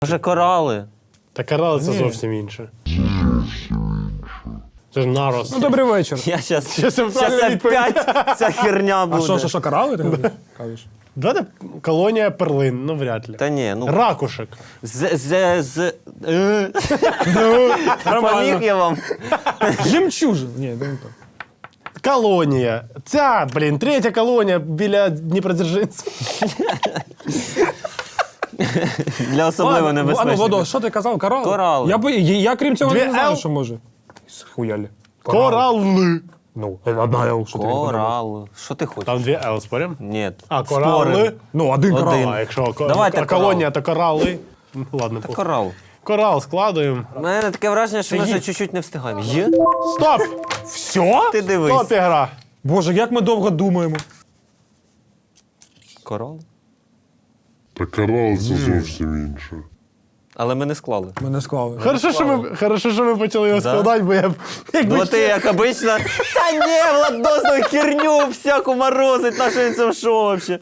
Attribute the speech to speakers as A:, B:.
A: Може корали?
B: Та корали це зовсім інше. Це ж нарос.
C: Ну, добрий вечір.
A: Я щас
B: Це правильна відповідь.
A: опять ця херня буде.
C: А що, корали ти кажеш?
B: Давайте колонія перлин, ну вряд ли.
A: Та ні, ну...
B: Ракушек.
A: Поміг я вам?
C: Жемчужин. Ні, не так.
B: Колонія. Ця, блін, третя колонія біля Дніпродзержинська.
A: Для особливо
C: А ну,
A: небезпечних.
C: Водо, що ти казав? Корали?
A: Корали.
C: Я крім цього
B: Дві
C: не знаю,
B: Л?
C: що може. Схуялі.
B: Корали.
C: Ну, одна Л, що ти не подумав.
A: Корал. Що ти хочеш?
B: Там дві Л, спорим?
A: Ні.
B: А, корали.
A: Спорим.
C: Ну, один
A: Один.
C: корал.
B: А якщо
A: Давайте
B: колонія, то корали. Ну, ладно, похуй.
A: Корал.
B: Корал складуємо.
A: У мене таке враження, що ми вже чуть-чуть не встигаємо. Є?
B: Стоп!
C: Все?
A: Ти дивись.
B: Стоп, ігра.
C: Боже, як ми довго думаємо.
A: Корал?
D: Та корал це зовсім інше.
A: Але ми не склали.
C: Ми не склали.
B: Хорошо, що ми почали його складати, бо я б... якби
A: Ну ти, як обично, та ні, Владос, херню всяку морозить, на що він це в шоу взагалі?